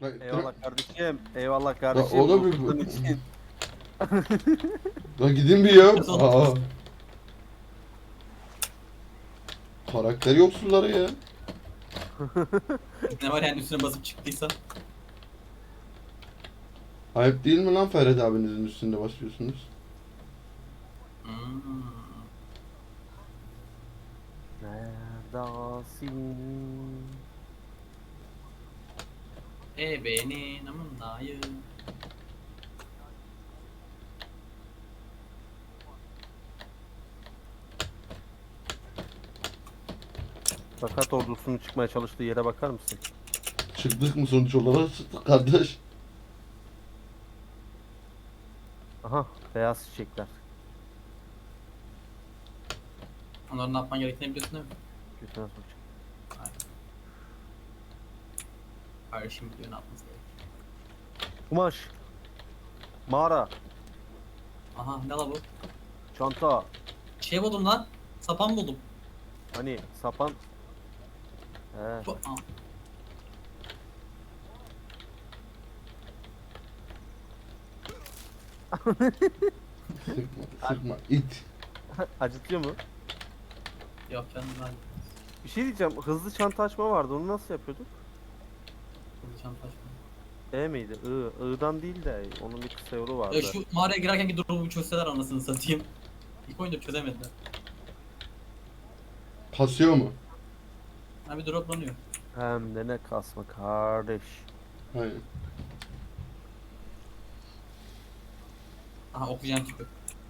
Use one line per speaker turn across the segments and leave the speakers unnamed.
Bak,
Eyvallah kardeşim. Eyvallah
La
kardeşim.
oğlum
Bu
bir
kızın için.
la gidin bir ya.
Biraz
Aa,
olmaz.
karakter yoksulları ya.
Ne var yani üstüne basıp çıktıysa.
Ayıp değil mi lan Ferhat abinizin üstünde basıyorsunuz?
Hmm.
Neredesin?
Benim amındayım.
Sakat ordusunun çıkmaya çalıştığı yere bakar mısın?
Çıktık mı sonuç olarak? Çıktık kardeş.
Aha, beyaz çiçekler.
Onların ne yapman gerektiğini biliyorsun değil mi?
Götüne sokacak.
Aynen. Kardeşim biliyor ne yapması gerekiyor.
Kumaş. Mağara.
Aha ne la bu?
Çanta.
Şey buldum lan. Sapan buldum.
Hani sapan. He.
Bu, aa,
Sıkma, sıkma. İt.
Acıtıyor mu?
yok canım ben.
Bir şey diyeceğim. Hızlı çanta açma vardı. Onu nasıl yapıyorduk?
Hızlı çanta açma.
E miydi? I. I'dan değil de onun bir kısa yolu vardı.
Şu mağaraya girerkenki durumu çözseler anasını satayım. İlk oyunda çözemediler.
Kasıyor mu?
Ha bir droplanıyor.
Hem de ne kasma kardeş.
Hayır.
Aha oksijen tüpü.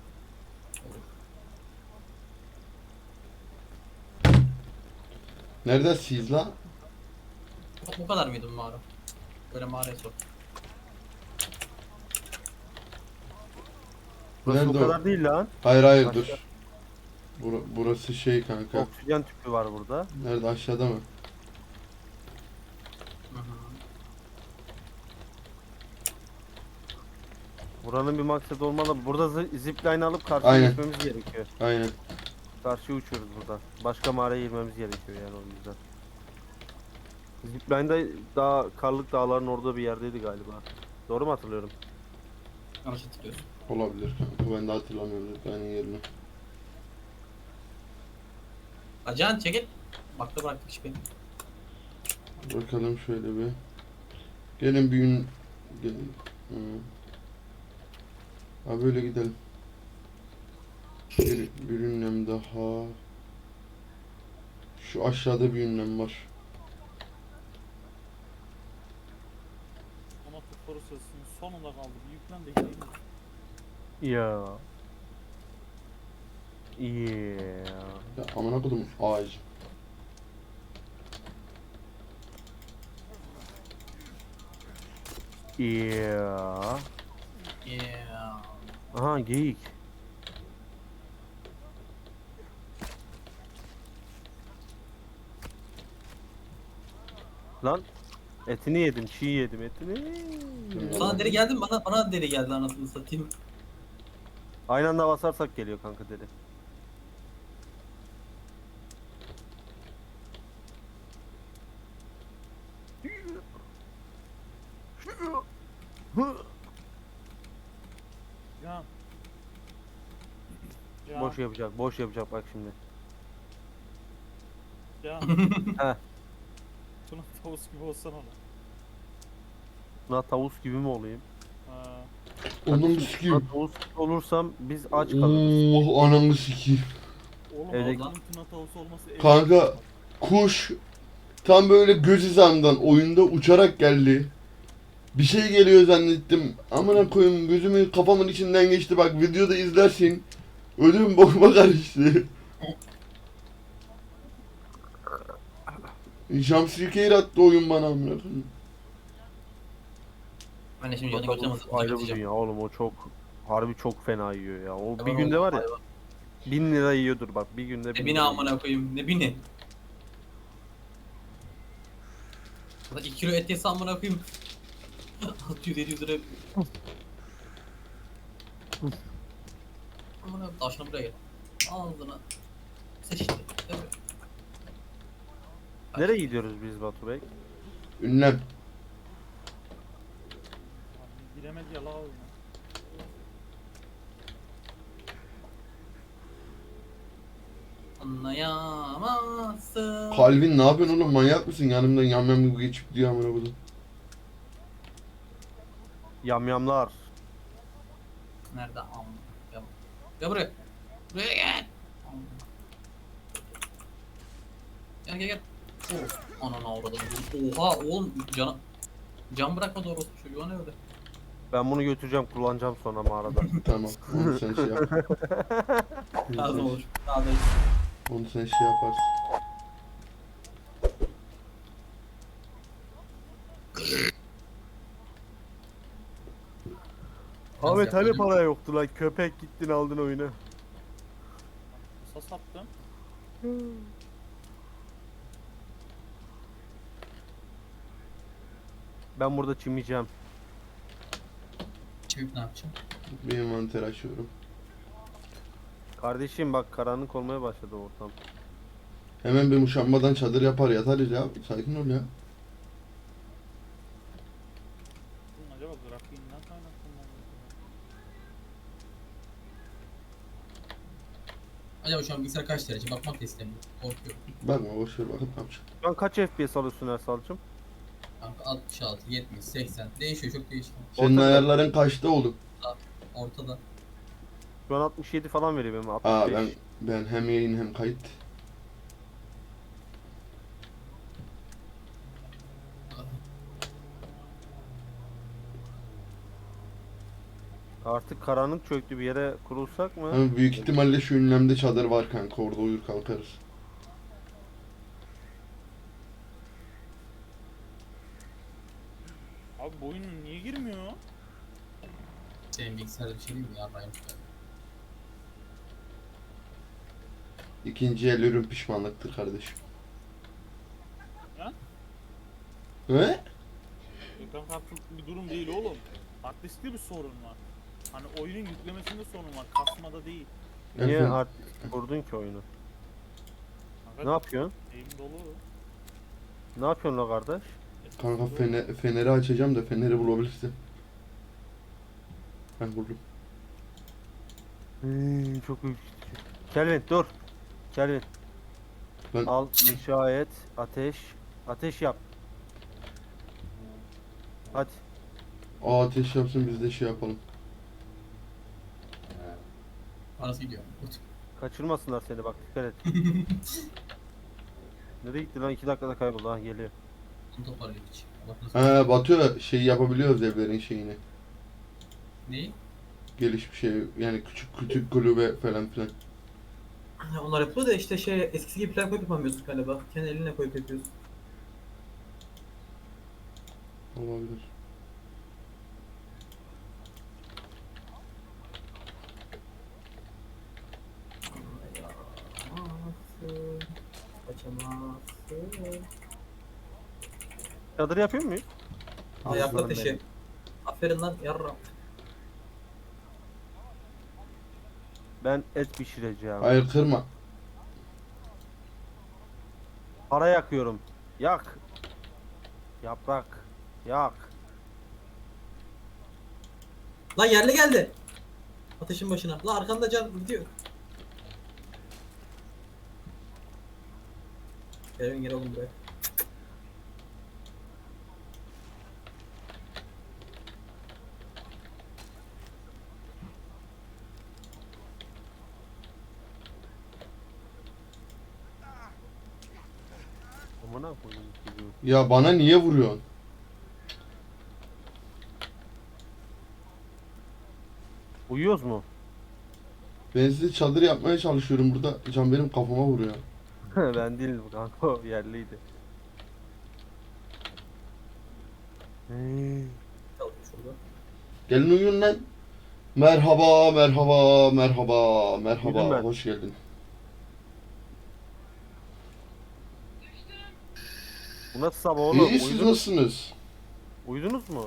Neredesiniz la?
Bu kadar mıydı bu mağara? Böyle mağaraya sor.
Burası
Nerede
o
o?
kadar değil lan.
Hayır hayır
Başka.
dur. Burası şey kanka.
Oksijen tüpü var burada.
Nerede aşağıda mı?
Hı hı.
Buranın bir maksadı olmalı. Burada zipline alıp karşıya
Aynen.
geçmemiz gerekiyor.
Aynen.
Karşıya uçuyoruz burada. Başka mağaraya girmemiz gerekiyor yani o yüzden. Zipline'da daha Karlık Dağları'nın orada bir yerdeydi galiba. Doğru mu hatırlıyorum?
Yanlış hatırlıyorsun.
Olabilir kanka. Ben de hatırlamıyorum benim yerini.
Acan çekil. Bakta bıraktık iş beni.
Bakalım şöyle bir. Gelin bir gün. Gelin. Hı. Ha böyle gidelim. Bir ünlem daha. Şu aşağıda bir ünlem var.
Ama tutları sesinin sonunda kaldı. Bir yüklen de gideyim.
Ya. Yeah.
Ya amına kodum ağaç.
Yeah.
Yeah.
Aha geyik. Lan etini yedim, çiğ yedim etini.
Sana deri geldi mi? Bana deri geldi anasını satayım.
Aynı anda basarsak geliyor kanka dedi.
Can. Can.
Boş yapacak bak şimdi.
Can.
Heh.
Tuna tavus gibi olsana lan.
Buna tavus gibi mi olayım?
Ha.
Ananı
Buna
sikeyim.
tavus gibi olursam biz aç kalırız.
Oh ananı sikeyim.
Oğlum
Evde-
Allah'ın tuna tavusu olması
Kanka kuş tam böyle göz hizamdan oyunda uçarak geldi. Bir şey geliyor zannettim. Amına koyayım gözümün kafamın içinden geçti bak videoda izlersin. Ödüm bokuma karıştı. Jumpscare attı oyun bana amına koyayım.
Ben de şimdi
Buna
yanına
tavus
götüremezdim.
ayrı bir dünya oğlum o çok harbi çok fena yiyor ya. O bir
Hayvan
günde
oldu,
var ya
hayvan.
1000 lira yiyordur bak bir günde
Ne
1000
bini
lira
amına koyayım. Ne bini? Ya da 2 kilo et yese amına koyayım. 600-700 lira. Amına taşına buraya gel. Ağzına. Seç işte. Evet.
Nereye gidiyoruz biz Batu Bey?
Ünlem.
medya la oyunu.
Anlayamazsın.
Kalvin ne yapıyorsun oğlum, manyak mısın? Yanımdan yamyam gibi geçip gidiyor amına koydum.
Yamyamlar.
Nerede? Gel. Gel buraya. Buraya gel. Gel gel gel. Of. Ananı avradım. Oha oğlum can bırakmadı orospu çocuğu, o ne öyle?
Ben bunu götüreceğim, kullanacağım sonra mağarada.
Tamam, onu sen şey yap.
Lazım olur. Daha da
Onu sen şey yaparsın.
Ahmet hani
yapalım.
para yoktu lan, köpek gittin aldın oyunu.
Kısa sattım.
Ben burada çimeceğim.
Çevik ne yapacağım?
Bir envanter açıyorum.
Kardeşim bak, karanlık olmaya başladı ortam.
Hemen bir muşambadan çadır yapar yatarız ya. Sakin ol ya.
Bunun acaba grafiğinden kaynaklanıyor mu?
Acaba şu an bilgisayar kaç derece? Bakmak da istemiyorum. Korkuyorum.
Bakma boşver, bakıp ne yapacak.
Şu an kaç FPS alıyorsun Ersal'cım?
Kanka 66, 70, 80 değişiyor, çok değişiyor.
Senin
Ortada-
ayarların kaçta oğlum?
Ortada.
Şu an 67 falan veriyor benim, 65.
Aa ben hem yayın hem kayıt.
Artık karanlık çöktü, bir yere kurulsak mı?
Ama büyük ihtimalle şu ünlemde çadır var kanka, orada uyur kalkarız.
Abi bu oyun niye girmiyor?
Senin bilgisayarda bir şey değil mi ya? Ben
İkinci el ürün pişmanlıktır kardeşim.
Ya?
He?
Ekran kartlıklı bir durum değil oğlum. Hard diskte bir sorun var. Hani oyunun yüklemesinde sorun var. Kasmada değil.
Niye
Efendim?
artık kurdun ki oyunu?
Kanka,
Ne yapıyorsun?
elim dolu.
Ne yapıyorsun la kardeş?
Kanka feneri açacağım da feneri bulabilirsin. Ben buldum.
Çok ürkütücü. Kelvin dur. Kelvin.
Ben
Al, inşa et, ateş. Ateş yap. Hadi.
ateş yapsın, biz de şey yapalım.
parası gidiyor. Kurt.
Kaçırmasınlar seni, bak dikkat et. Nereye gitti lan? 2 dakikada kayboldu, ha geliyor.
Bunu toparlayıp hiç. Allah nasıl.
Batu şey yapabiliyoruz evlerin şeyini.
Neyi?
Gelişmiş şey yani küçük kulübe falan filan.
Onlar yapıyor da işte şey eskisi gibi plan koyup yapamıyorsun galiba. Kendi eline koyup yapıyorsun.
Olabilir.
Kaçamazsın. Kaçamazsın.
Çadır yapıyor muyuz?
Ayak
Aslanım
ateşi.
benim.
Aferin lan yarra.
Ben et pişireceğim.
Hayır, kırma.
Para yakıyorum. Yak. Yaprak. Yak.
Lan yerli geldi. Ateşin başına. Lan arkanda can gidiyor. Gel oğlum buraya.
Amına koyayım çocuğu.
Ya bana niye vuruyorsun?
Uyuyoruz mu?
Ben size çadır yapmaya çalışıyorum burada. Can benim kafama vuruyor.
Ben değilim kanka, o yerliydi.
Kalkın şurada.
Gelin uyuyun lan. Merhaba, merhaba, merhaba,
Uyudum
merhaba.
ben.
Hoş geldin.
Bu nasıl sabah oğlum?
İyi, siz nasılsınız?
Uyudunuz mu?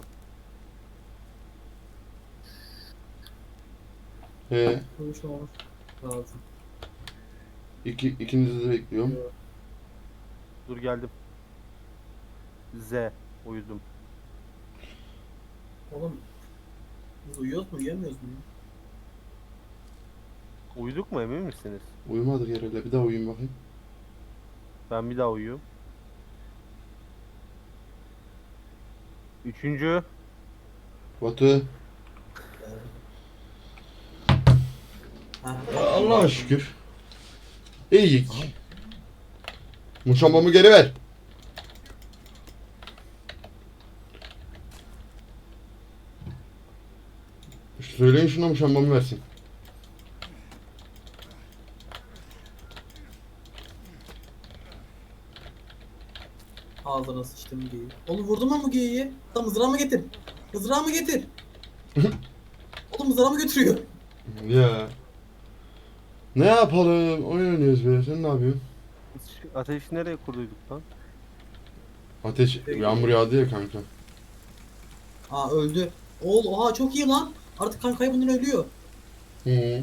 Konuşmamız lazım.
İkinizi de bekliyorum.
Dur geldim. Z. Uyudum.
Oğlum Biz uyuyoruz mu uyuyamıyoruz mu?
Uyuduk mu, emin misiniz?
Uyumadık herhalde. Bir daha uyuyun bakayım.
Ben bir daha uyuyorum. Üçüncü.
Batu.
Ha.
Allah'a şükür. İyiyik. Muşambamı geri ver. Söyleyin şuna muşambamı versin.
Ağzına sıçtım geyiği. Oğlum vurdum mu bu geyiği? Tam mızrağımı getir. Mızrağımı getir. Oğlum mızrağımı götürüyor.
Ya. Ne yapalım? Oyun oynuyoruz be. Sen ne yapıyorsun?
Ateşi nereye kurduyduk lan?
Ateş, yağmur yağdı ya kanka.
Aa öldü. Oha çok iyi lan. Artık kan kaybından ölüyor.
Hı.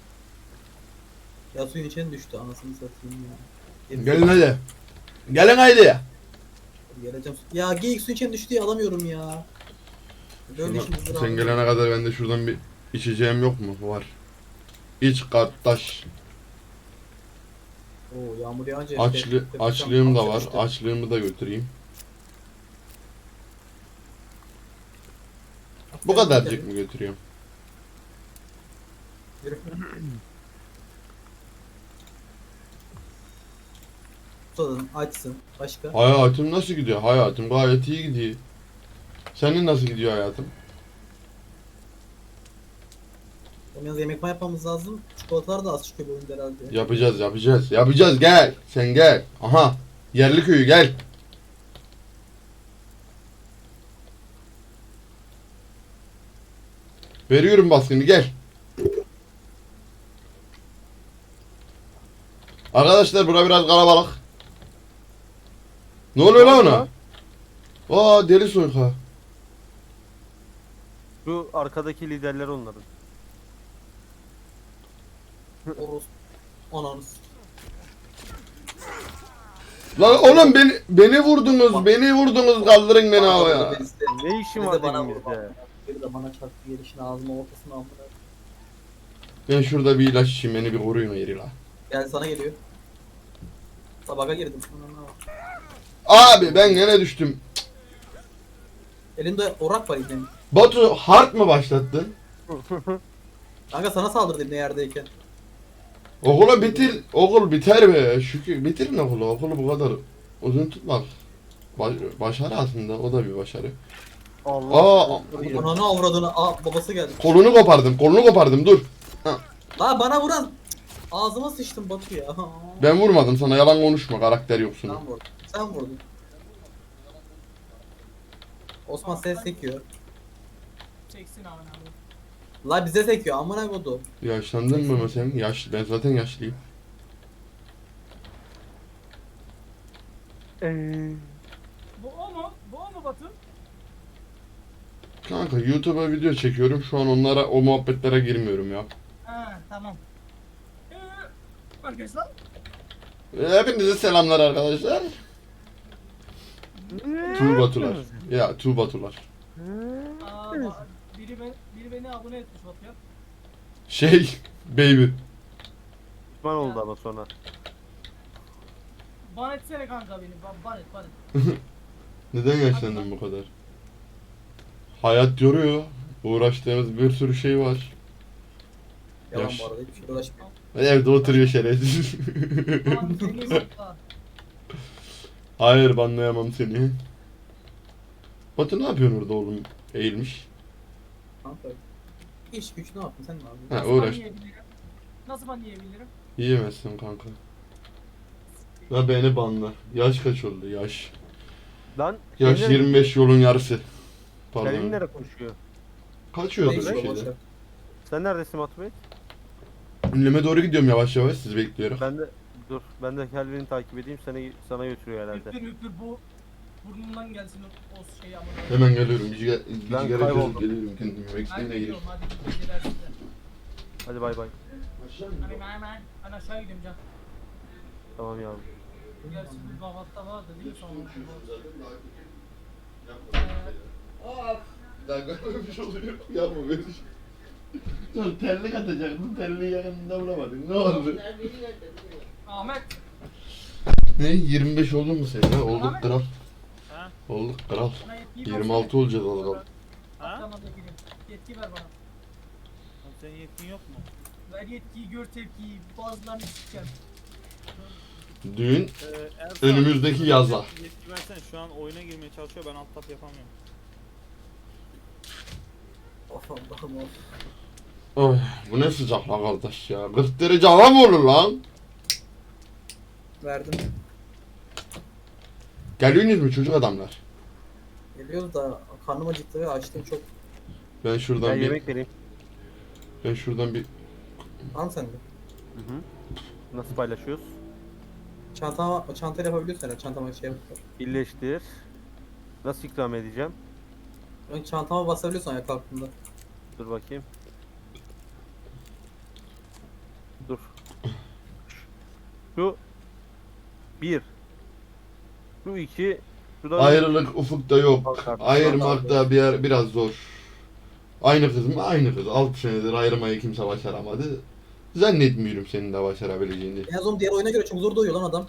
Ya suyun içine düştü anasını satayım ya.
Gelin hadi. Gelin haydi.
Geleceğim. Ya geyik suyun içine düştü ya alamıyorum ya. Böyle
Şuna-
işimiz
sen gelene kadar ben de şuradan bir içeceğim yok mu? Var. İç kardeş.
Oo yağmur yağınca işte-
Açlığım da var.
işte.
Açlığımı da götüreyim. Bu kadarcık mı götürüyorum?
Yürü. Tadın, açsın. Başka?
Hayatım nasıl gidiyor? Hayatım gayet iyi gidiyor. Senin nasıl gidiyor hayatım?
Yalnız yemek yapmamız lazım. Çikolatalar da az çıkıyor bu oyunda herhalde.
Yapacağız gel. Sen gel. Aha. Yerli köyü gel. Veriyorum baskını gel. Arkadaşlar bura biraz kalabalık. Ne oluyor lan ona? Aa deli soyka.
Şu arkadaki liderler onların.
Oros. Ananız.
Lan oğlum beni vurdunuz kaldırın beni havaya.
Ne işin
Bir
var
de bana
elimizde?
Bir de bana çarptı gelişine ağzıma ortasına amına.
Ben şurada bir ilaç içeyim beni bir koruyun yeri la.
Gel sana geliyor. Sabaha girdim.
Abi ben gene düştüm.
Elinde orak var izleyin.
Batu hard mı başlattın?
Kanka sana saldırdım ne yerdeyken.
Okula bitir. Okul biter be. Şükür bitirin okulu. Okulu bu kadar uzun tutmak. Başarı aslında. O da bir başarı.
Allah.
Aa,
Ananı avradını. Aa babası geldi.
kolunu kopardım. Dur.
La bana vuran. Ağzıma sıçtım Batu ya.
Ben vurmadım sana. Yalan konuşma. Karakter yoksun.
Sen vurdun. Sen vurdun. Osman ses sekiyor.
Çeksin abi.
La bize sekiyor amına kodu.
Yaşlandın mı sen? Yaşlı. Ben zaten yaşlıyım.
Bu o mu? Bu o mu Batu?
Kanka YouTube'a video çekiyorum. Şu an o muhabbetlere girmiyorum ya.
Ha tamam. Arkadaşlar.
Hepinize selamlar arkadaşlar. Tuğbatular. Ya Tuğbatular.
Biri beni abone etmiş Batu'ya.
Baby.
Pişman oldu ama sonra.
Ban etsene kanka beni. Ban et.
Neden yaşlandın bu kadar? Hayat yoruyor. Uğraştığımız bir sürü şey var.
Yalan
Yaş.
bu arada hiçbir şey uğraşmıyor.
Evde oturuyor şerefsiz.
Ban seni sakla.
Hayır banlayamam seni. Batu ne yapıyorsun orada oğlum? Eğilmiş.
Kanka. İş güç ne yaptın sen ne yapıyorsun?
Ha
Nasıl
uğraş.
ban yiyebilirim? Nasıl ban yiyebilirim?
Yiyemezsin kanka. Ya beni banla. Yaş kaç oldu yaş?
Lan.
Yaş
senin-
25 yolun yarısı.
Senin
Pardon.
nereye konuşuyor?
Kaçıyordu
Neyse,
bir
boş
şeyde.
ver.
Sen neredesin Batu Bey?
Ünleme doğru gidiyorum yavaş yavaş sizi bekliyorum.
Ben de Kelvin'i takip edeyim, sana götürüyor herhalde.
Üpür bu burnundan gelsin o şey ama.
Hemen geliyorum. Bir
Ben
sigara
kayboldum.
çözüp geliyorum kendimi.
Ben
Bekleyin de
gidiyorum
gelip.
hadi iyi geceler size.
Hadi bay bay.
Hadi ben aşağı gidiyorum can.
Tamam yavrum.
Gerçi bir kahvaltıda vardı değil mi sonra?
Daha görmemiş oluyor. Yapma böyle şey. Sonra terlik atacaktın, terliği yakınında bulamadın. Ne oldu?
Ahmet.
Ne? 25 oldu mu senin ha? Olduk
Ahmet.
kral.
Ha?
Olduk kral.
Bana yetkiyi
26 olacağız az kaldı.
Ha?
Tamam yetkiyi. Yetki ver bana.
Oğlum senin yetkin yok mu?
Ver yetkiyi, gör tepkiyi. Bazılarını siker.
Düğün
Ersan,
önümüzdeki yaza.
Yetki versene, şu an oyuna girmeye çalışıyor, ben alt tab yapamıyorum.
Of Allah'ım of.
Oy, bu ne sıcak lan kardeş ya. 40 derece hava mı olur lan?
Verdim.
Geliyorsunuz mu çocuk adamlar?
Geliyoruz da karnım acıktı ve açtım çok.
Ben şuradan
Ben
bir
yemek vereyim.
ben şuradan bir
Al sen de.
Hı hı. Nasıl paylaşıyoruz?
Çantayla yapabiliyorsun herhalde. Çantama şey yapıyor.
Birleştir. Nasıl ikram edeceğim?
Ön çantama basabiliyorsun ayak altında.
Dur bakayım. Dur. Şu 1. Şu 2. Şu da
ayrılık ufukta yok.
Bak,
Ayırmak da bir yer biraz zor. Aynı kız mı? Aynı kız. 6 senedir ayırmayı kimse başaramadı. Zannetmiyorum senin de başarabileceğini.
En azından diğer oyuna göre çok zor doyuyor lan adam.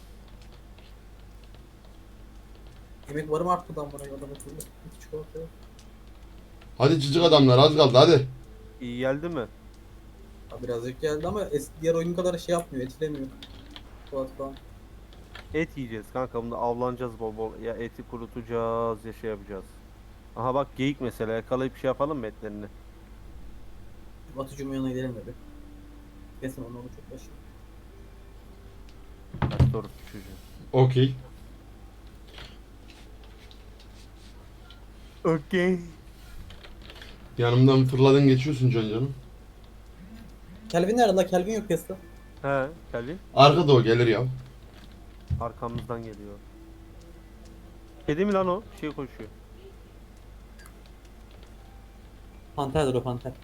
Yemek varım arttı lan bana adam akıllı. Hiç çikolata yok.
Hadi çocuk adamlar az kaldı hadi.
iyi geldi mi?
Ha, birazcık geldi ama diğer oyun kadar şey yapmıyor, etkilemiyor. Çikolata falan.
Et yiyeceğiz kanka, bunda avlanacağız bol bol. Ya eti kurutacağız ya şey yapacağız. Aha bak geyik mesela, yakalayıp şey yapalım mı etlerini?
Batucuğumun yanına gidelim de bir. Kesin onu çok başı.
Kaç doğru çocuğu.
Okey.
Okey.
Yanımdan fırladın geçiyorsun can canım.
Kelvin nerede la? Kelvin yok piyasada.
He Kelvin
Arkada o gelir ya.
arkamızdan geliyor. Kedi mi lan o? Şey koşuyor.
Panterdir o panter.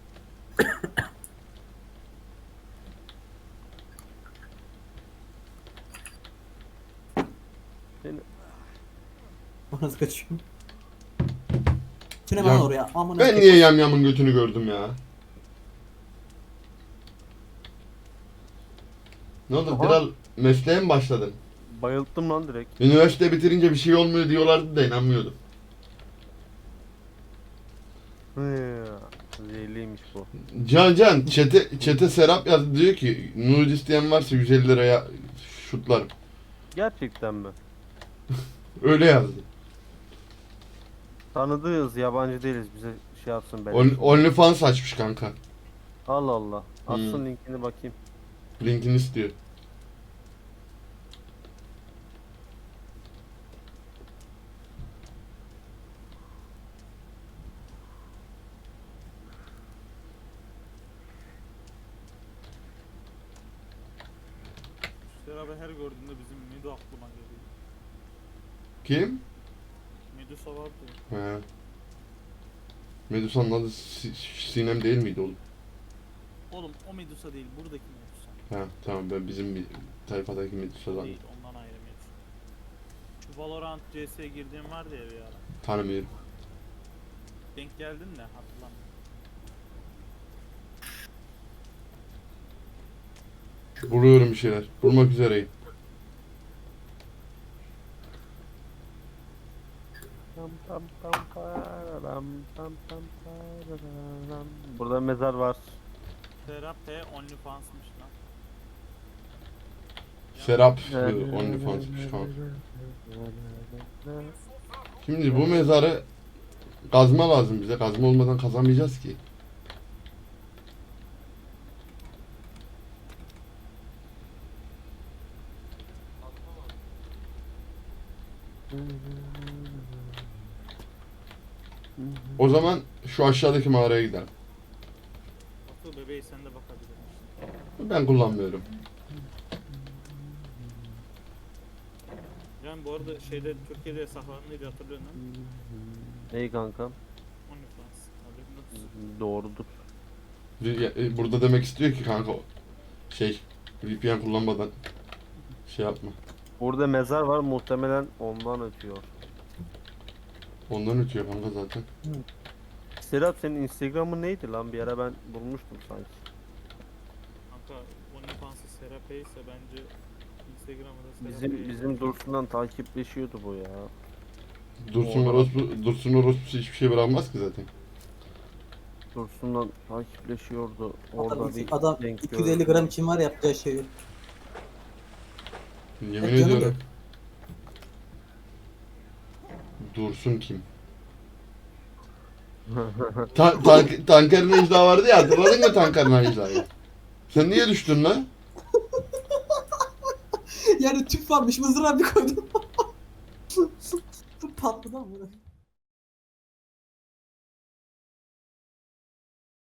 Seni...
Nasıl kaçıyor? Tüne
Ya,
lan oraya. Aman
Ben niye yamyamın götünü gördüm ya? Ne oldu?
Aha.
Kral mesleğe mi başladın?
Bayılttım lan direkt.
Üniversite bitirince bir şey olmuyor diyorlardı da inanmıyordum.
Zehirliymiş bu.
Can çete Serap yazdı diyor ki nude isteyen varsa 150 liraya şutlarım.
Gerçekten mi?
Öyle yazdı.
Tanıdığız, yabancı değiliz, bize şey yapsın ben.
OnlyFans açmış kanka.
Allah Allah. Atsın
Hmm.
linkini bakayım.
Linkini istiyor.
Beraber her gördüğümde bizim Mido aklıma geliyor.
Kim?
Medusa vardı.
He. Medusa'nın adı Sinem değil miydi oğlum?
Oğlum o Medusa değil, buradaki Medusa.
Ha tamam ben bizim bir tayfadaki Medusa'dan
Değil, ondan ayrı Medusa. Şu Valorant CS'ye girdiğim vardı ya bir ara.
tanımıyorum.
Denk geldin de hatırlamıyorum.
Buluyorum bir şeyler. Bulmak üzereyim.
Tam tam tam pararam, tam tam pararam. Burada mezar var.
Serap P OnlyFans'mış lan.
Serap OnlyFans'mış kanka. Şimdi bu mezarı kazma lazım bize. Kazma olmadan kazamayacağız ki. O zaman şu aşağıdaki mağaraya gidelim.
Batu bebeği sen de bakabilirsin.
Ben kullanmıyorum.
Yani bu arada şeyde Türkiye'de yasaklandı diye hatırlıyorsun değil mi?
İyi kankam.
OnlyFans. Haberin olsun.
Doğrudur.
Burada demek istiyor ki kanka şey VPN kullanmadan şey yapma.
Burada mezar var, muhtemelen ondan ötüyor.
Ondan ötüyor kanka zaten.
Serap senin Instagram'ın neydi lan? Bir ara ben bulmuştum sanki.
Kanka OnlyFans'ı Serape ise bence Instagram'da Serape.
Bizim Dursun'dan takipleşiyordu bu ya.
Dursun orospusu hiçbir şey bırakmaz ki zaten.
Dursun'dan takipleşiyordu. Orada bir
Adam
denk
250
gördüm.
gram kim var yapacağı şeyi.
Yemin
Evet, canım
ediyorum. Dursun kim? Tanker Necla vardı ya, hatırladın mı Tanker Necla'yı? Sen niye düştün lan?
Yani tüp varmış mızrağı bir koydum. Patladı ama.